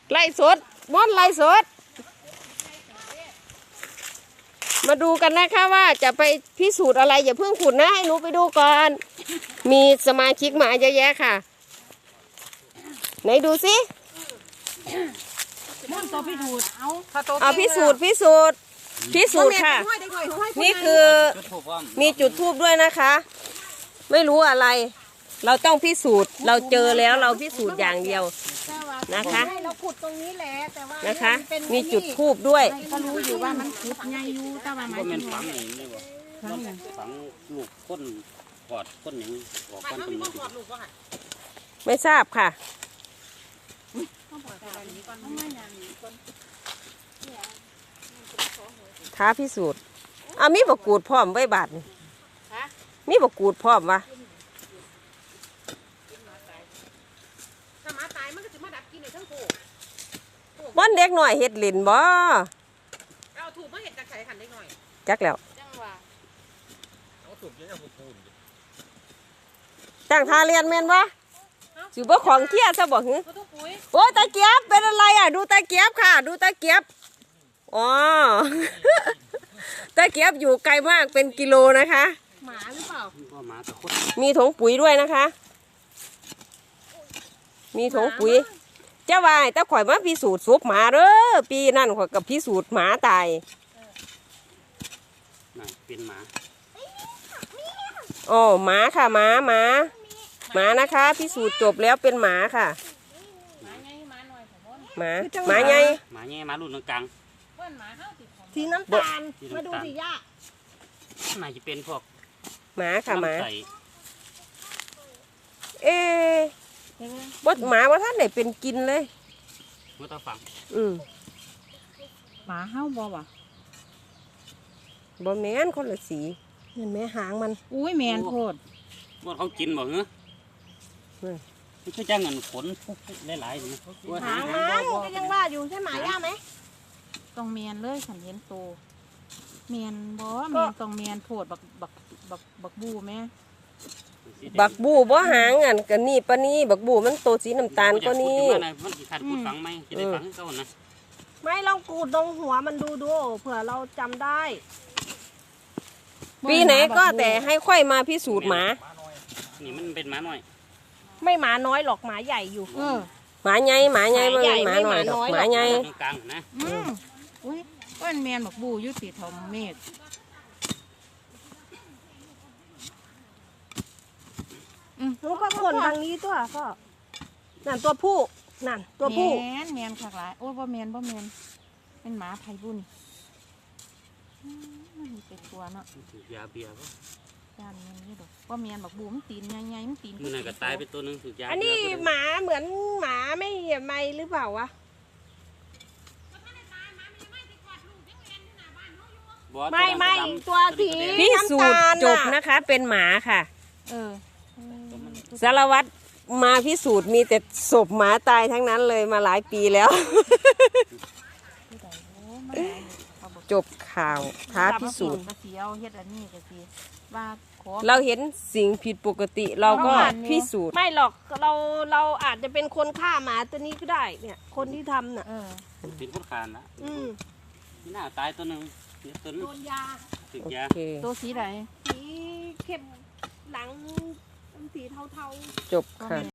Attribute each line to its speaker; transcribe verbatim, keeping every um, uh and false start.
Speaker 1: ไล่สดม่อนไล่สดมาดูกันนะคะว่าจะไปพิสูจน์อะไรอย่าเพิ่งขุดนะให้หนูไปดูก่อนมีสมาชิกมาเยอะแยะค่ะไหนดูสิ
Speaker 2: ม่อนตัวพิสูจน์เอา
Speaker 1: เอาพิสูจน์พิสูจน์พิสูจน์ค่ะนี่คือมีจุดธูปด้วยนะคะไม่รู้อะไรเราต้องพิสูจน์เราเจอแล้วเราพิสูจน์อย่างเดียวนะคะ
Speaker 2: เราขุดตรงนี้แหละแต่ว่า
Speaker 1: นะคะมีจุดธูปด้วย
Speaker 2: ก็รู้อยู่ว่ามันขุดใหญ่อยู่แต่ว่ามัน
Speaker 3: เป็นฝังอย่างนี้บ่ฝังลูกก้นกอดก้นอย่างนี้ออกก้นตรงนี้
Speaker 1: ไม่ทราบค่ะท้าพิสูจน์อ่ะมีบกูดพร้อมไว้บาทนี่มีบกูดพร้อมวะบ้านเด็กหน่อยเห็ดหลินบ่
Speaker 2: เอาถูกมาเห็ดจากไข่ขันเด็กหน่อย
Speaker 1: จักแล้วตั้งท่าเรียนแม่นบ่สิบ่ของเที่ยซะบ่หือโอ้ตะเกียบเป็นอะไรอ่ะดูตะเกียบค่ะดูตะเกียบอ๋อตะเกียบอยู่ไกลมากเป็นกิโลนะคะ
Speaker 2: หมาหรือเปล่า
Speaker 1: มีถุงปุ๋ยด้วยนะคะมีถุงปุ๋ยเจ้าว่าแต่ข่อยมาพิสูจน์ซุปหมาเด้อปีนั่นข่อยกับพิสูจน์หมาตาย
Speaker 3: น่ะเป็นหมา
Speaker 1: โอ้หมาค่ะหมาหมาหมานะคะพิสูจน์จบแล้วเป็นหมาค่ะหมาหมาไง
Speaker 3: หมาไงหมารุ่นกลาง
Speaker 2: สีน้ำตาลมาดูสิย่า
Speaker 3: น่าจะเป็นพวก
Speaker 1: หมาค่ะหมาเอ๊ะบดหมาว่าท่านไหนเป็นกินเลย
Speaker 3: เมื่อตาฝัง
Speaker 1: อืม
Speaker 2: หมาเห่าบ่วะ
Speaker 1: บ่แม่นคนละสีเห็นไหมหางมัน
Speaker 2: อุ้ยแมนโคตร
Speaker 3: ว่าเขากินบ่เหรอไม่ใช่จ้างเงินขนหลายๆนะ
Speaker 2: หางมันก็ยังว่าอยู่ใช่หมาย่าไหมต้องเมียนเลยฉันเห็นโตเมียนบ่เมียนต้องเมียนโผดบักบักบักบักบูไหม
Speaker 1: บักบูบ่หางอันกันนี่ปะนี่บักบูมันโตสีน้ำตาลก็นี่
Speaker 3: มันขาดพูดฝังไหมจะได้ฝังเขานะ
Speaker 2: ไม่ลองกูดตรงหัวมันดูดูเผื่อเราจำได้
Speaker 1: ปีไหนก็แต่ให้ค่อยมาพิสูจน์หมา
Speaker 3: นี่มันเป็นหมาหน่อย
Speaker 2: ไม่หมาน้อยหรอกหมาใหญ่อยู่
Speaker 1: หมาใหญ่หมาใหญ่ไม่หมาหน่อยหมาใหญ่
Speaker 3: กลางนะ
Speaker 2: อืมอุ้ยก้อนแมนบักบูยุติธรรมเมธรู้ก็คนทางนี้ตัวก็นั่นตัวผู้นั่นตัวผู้แมนแมนขากหลายโอ้บ่แมนบ่แมนเป็นหมาไทยบุญเป็นตัวเนาะ
Speaker 3: ยาเบียร์ป่ะ
Speaker 2: ยาเมียนนี่ดอกว่าเมียนบอกบูมตีนใหญ่ๆมันตีน
Speaker 3: มันก็ตายไปตัวนึงถูกยา
Speaker 2: อันนี้หมาเหมือนหมาไม่ไม่หรือเปล่าวะไม่ไม่ตัวสี
Speaker 1: พิสูจน์จบนะคะเป็นหมาค่ะ
Speaker 2: เออ
Speaker 1: สารวัตรมาพิสูจน์มีแต่ศพหมาตายทั้งนั้นเลยมาหลายปีแล้วจบข่าวท้าพิสูจน์เราเห็นสิ่งผิดปกติเราก็พิสูจน์
Speaker 2: ไม่หรอกเราเราอาจจะเป็นคนฆ่าหมาตัวนี้ก็ได้เนี่ยคนที่ทำน่ะ
Speaker 3: เป็นคนขานนะที่หน้าตายตัวนึงตัวนึงโดนยาติดยา
Speaker 2: ตัวสีไหนสีเข้มหลังสีเทาๆ
Speaker 1: จบค่ะ